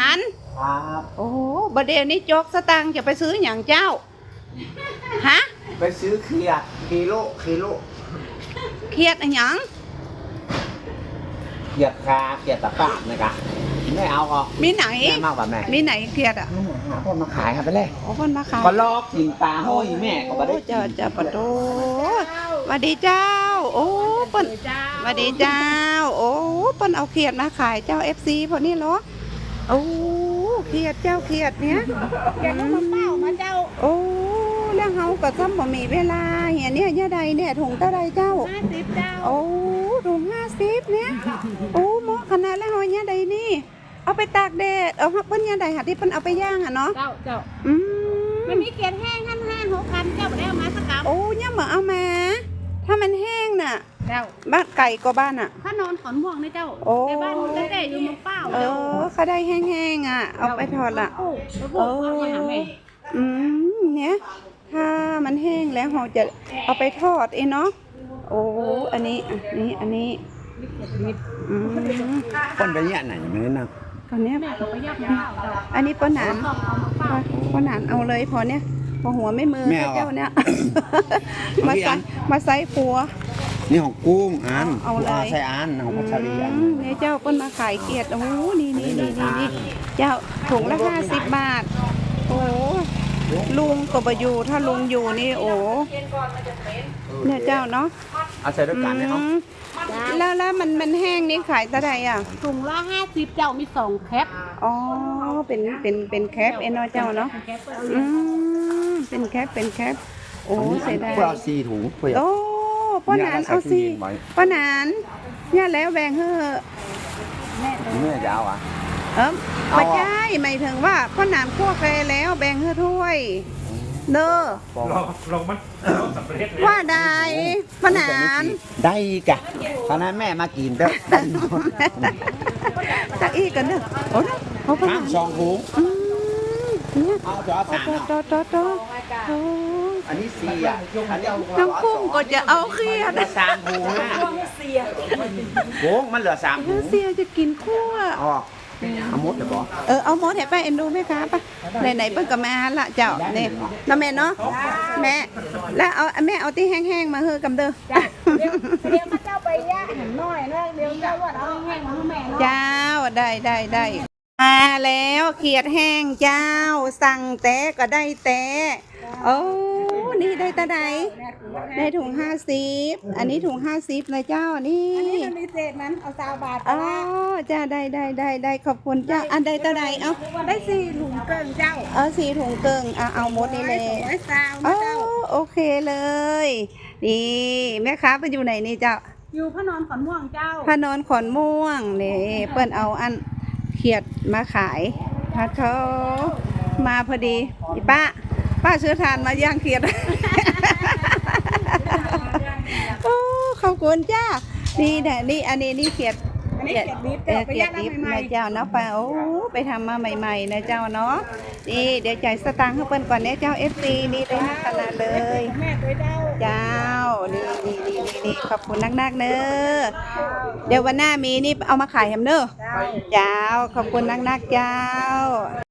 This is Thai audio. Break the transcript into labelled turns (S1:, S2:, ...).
S1: าน
S2: ครับ
S1: โอ้บดเดี๋ยวนี้จกสตังค์จะไปซื้ออย่างเจ้าฮะ
S2: ไปซื้อเขียดกิโล
S1: เครียดอะไรหยัง
S2: เขียดคาเขียดตะกร้านะครับไม่เอาก็
S1: มีไหน
S2: แม่มากกว่าแม่
S1: มีไหนเครียดอ่ะ
S2: คนมาขายครับไปเลย
S1: โอ้คนมาขาย
S2: ก็ลอกกินปลาห้อยแม่ก็มาได้
S1: จะปะโตสวัสดีเจ้าโอ้ปนสวัสดีเจ้าโอ้ปนเอาเครียดมาขายเจ้า FC พอนี่เหรอโอ้เครียดเจ้าเครียดเนี้ย
S3: แกก็มาเป้ามาเจ้า
S1: โอ้แล้วเฮาก็ซ้ำบ่มีเวลาเฮียเนี่ยยะใดเนี่ยถุงเท่าใดเจ้า
S3: 50เจ้า
S1: โอ้ถุง50เนี่ยโอ้เหมาะขนาดแล้วเฮายะใดนี่เอาไปตากแดดเอาเพิ่นยะใดหาที่เพิ่นเอาไปย่างอ่ะเนาะ
S3: เจ้า
S1: อืม
S3: มันมีเกล็ดแห้งขั้น5 6 คันเจ้าบ่ได้เอามาสักกำ
S1: โอ้เนี่ยเหมือนเอามาถ้ามันแห้งน่ะ
S3: เจ้า
S1: บ้านไก่ก็บ้านอ่ะ
S3: ถ้านอนขอนม่วงนะเจ้าในบ้านตั้งแต่อยู่มาเป้า
S1: เขาได้แห้งๆอ่ะเอาไปทอดละเนี่ยถ้ามันแห้งแล้วเราจะเอาไปทอดเนาะโอ้อันนี้
S2: คนไปเนี่ยไหนมือนะ
S1: ตอนนี้อันนี้ป้าหนานเอาเลยพอเนี่ยพอหัวไม่มือเจ้าเนี่ยมาใส่ปัว
S2: นี่ของกุ้งอัน
S1: เอาเลย
S2: ใส่อันของพัชรีอัน
S1: เนี่ยเจ้าเปิ้นมาขายเกียรติโอ้นี่เจ้าถุงละ50 บาทโอ้ลุงก็บ่อยู่ถ้าลุงอยู่นี่โอ้เนี่ยเจ้าเนาะ
S2: เอาใส่ด้วยกันเนาะ
S1: แล้วมันแห้งนี่ขายเท่าไหร่อ่ะ
S3: ถุงละ50เจ้ามี2แคป
S1: อ๋อเป็นแคปเนาะเจ้าเนาะเป็นแคปโอ้เสียดาย
S2: เพื่อเอา4 ถุง
S1: โอ้ป้าหนานเอาสิป้าหนานเนี่ยแล้วแบ่งเฮ้อ
S2: แม่จะเอาอ่ะ
S1: ไม่ใช่หมายถึงว่าป้าหนานคั่วแกแล้วแบ่งเฮ้อถ้วยเด้อ
S4: ลองมันสำเร็จ
S1: ว่าได้ป้าหนาน
S2: ได้กะตอนนั้นแม่มากินเด้อ
S1: จะอีกันเด้อโอ้เขาป้าหนาน
S2: 2 ถุงเอาจะเอาอันนี้4อ่ะ
S1: น้องกุ้งก็จะเอาเครียด
S2: 3 ถุงโค้งมันเหลือ3 ถุง
S1: เสียจะกินคั่ว
S2: เอามดเลยบอ
S1: เอามดให้ป้าเอ็นดูไหมคะป้าไหนเปิ้ลก็มาละเจ้าเนี่ยน้าแม่เนาะแม่แล้วเอาแม่เอาที่แห้งๆมาเฮอกำเด้อ
S3: เดี๋ยวมาเจ้าไปย่าหันน้อยนะเดี๋ยวเจ้าว่าเอาแห้งมาให้แม่เนาะ
S1: เจ้าได้มาแล้วเขียดแห้งเจ้าสั่งแต่ก็ได้แต่โอ้นี่ได้ตาใดได้ถุง50อันนี้ถุง50นะเจ้านี่
S3: อันนี้มันมีเศษนั้นเอา20 บาท
S1: อ๋อจ้าได้ขอบคุณเจ้าอันใดตาใดเอา
S3: ได้4 ถุงเกินเจ้า
S1: 4 ถุงเกินเอาหมดนี่เลยโอเคเลยนี่แม่ค้าไปอยู่ไหนนี่เจ้า
S3: อยู่พระนอนขอนม่วงเจ้า
S1: พระนอนขอนม่วงนี่เปิ้นเอาอันเขียดมาขายพัดเขามาพอดีป้าซื้อทานมาย่างเขียดโอ้ขอบคุณจ้านี่แหละนี่อันนี้นี่เขียด
S3: ดิบ
S1: นะเจ้าเนาะป้าโอ้ไปทำมาใหม่ๆนะเจ้าเนาะนี่เดี๋ยวจ่ายสตางค์ให้เปิ้นก่อนเนี่ยเจ้า FC นี่เลยนะขนาดเลย
S3: แม่ตัว
S1: เจ้านี่ขอบคุณนักๆเนอะเดี๋ยววันหน้ามีนี่เอามาขายแฮมเนอร์เจ้าขอบคุณนักๆเจ้า